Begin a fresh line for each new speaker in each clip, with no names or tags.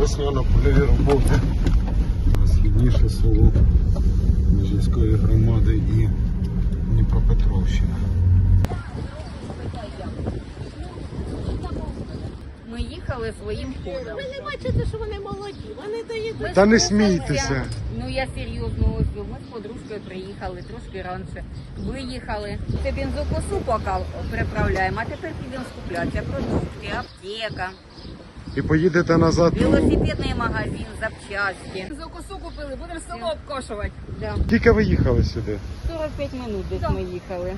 весняно-польові роботи. Східніше село Межівської громади і Дніпропетровщина.
Ми їхали своїм ходом.
Ви не бачите, що вони молоді, вони доїдуть.
Та не смійтеся.
Ну я серйозно ось. Ми з подружкою приїхали трошки раніше. Виїхали. Це бензокосу поки приправляємо, а тепер підемо скуплятися. Продукти, аптека,
І поїдете назад.
велосипедний магазин, запчасті.
Бензокосу купили, будемо село обкошувати.
Да.
Тільки ви їхали сюди?
45 минут десь ми їхали.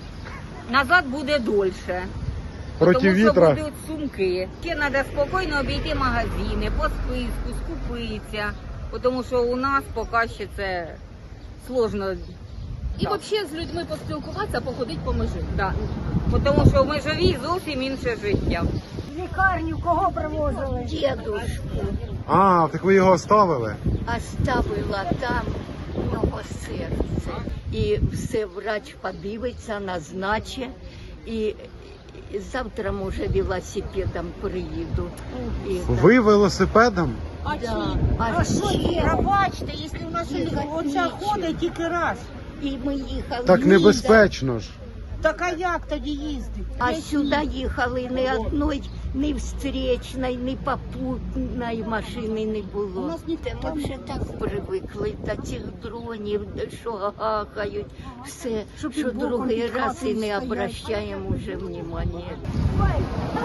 Назад буде дольше.
Проти
Тому що
вітра.
будуть сумки. Ще треба спокійно обійти магазини, по списку, скупитися. Тому що у нас поки ще це сложно.
І взагалі з людьми поспілкуватися, походити по межі.
Да. Тому що в Межовій зовсім інше життя.
В лікарню кого привозили?
Дедушку
А, так ви його оставили?
оставила там, у нього серце. І все врач подивиться, назначить. І завтра, може, велосипедом приїду. І
Ви велосипедом?
да,
А що є?
Пробачте, якщо у нас оця ходить тільки раз.
і ми їхали.
Так небезпечно ж.
Так а як тоді їздить?
А сюди їхали ні одної, ні встречної, ні попутної машини не було. Ми вже так привикли до цих дронів, що гахають, все, що другий раз і не обращаємо вже внимання.
Ой,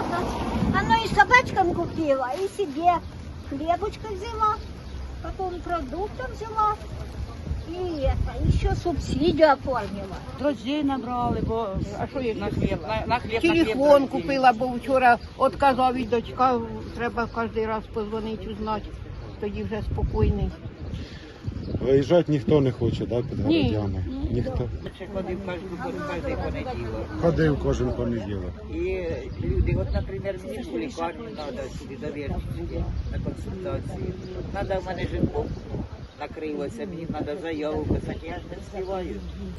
оно и собачкам купила, и себе хлебушка взяла, потом продуктов взяла, и это, еще субсидию оформила.
Друзей набрали, бо а що їх на хліб? На хліб
Телефон купила, бо вчора відказав і дочка, треба кожен раз позвонити, узнати, тоді вже спокійний.
Виїжджати ніхто не хоче, да, під городями? Ніхто.
Ходив кожен понеділок.
Ходив кожен понеділок.
І люди, от, наприклад, мені в лікарню треба сюди довірчити на консультації. Треба в мене жінку накрилося, мені треба заяву писати, я ж не встигаю.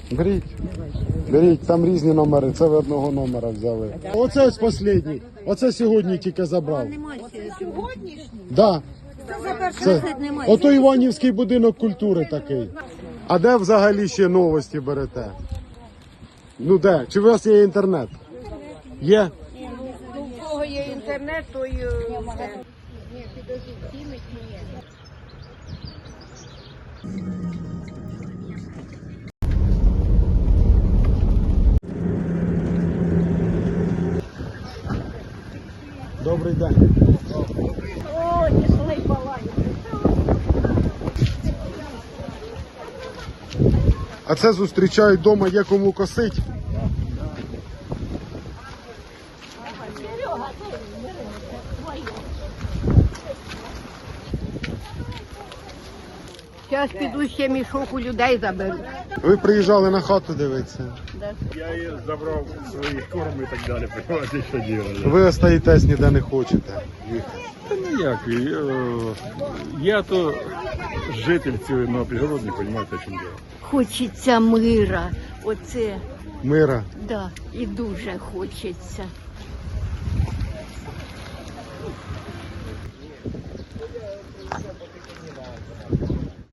Беріть, там різні номери, це ви одного номера взяли. Оце ось останній, оце сьогодні тільки забрав.
Сьогоднішній?
Да. Це, ото Іванівський будинок культури такий. А де взагалі ще новості берете? Ну де? Чи у вас є інтернет? Є?
У кого є інтернет, то й...
Добрий день.
О, несли балані.
А це зустрічають вдома, є кому косить.
Зараз піду ще мішок у людей заберу.
Ви приїжджали на хату дивитися.
Я її забрав свої корми і так далі, понимаете, що делали.
Ви остаєтесь, ніде не хочете їхати.
Та ніяк, я то житель цієї пригородні, понимаете, о чому дело.
Хочеться мира, оце,
Мира.
да, і дуже хочеться.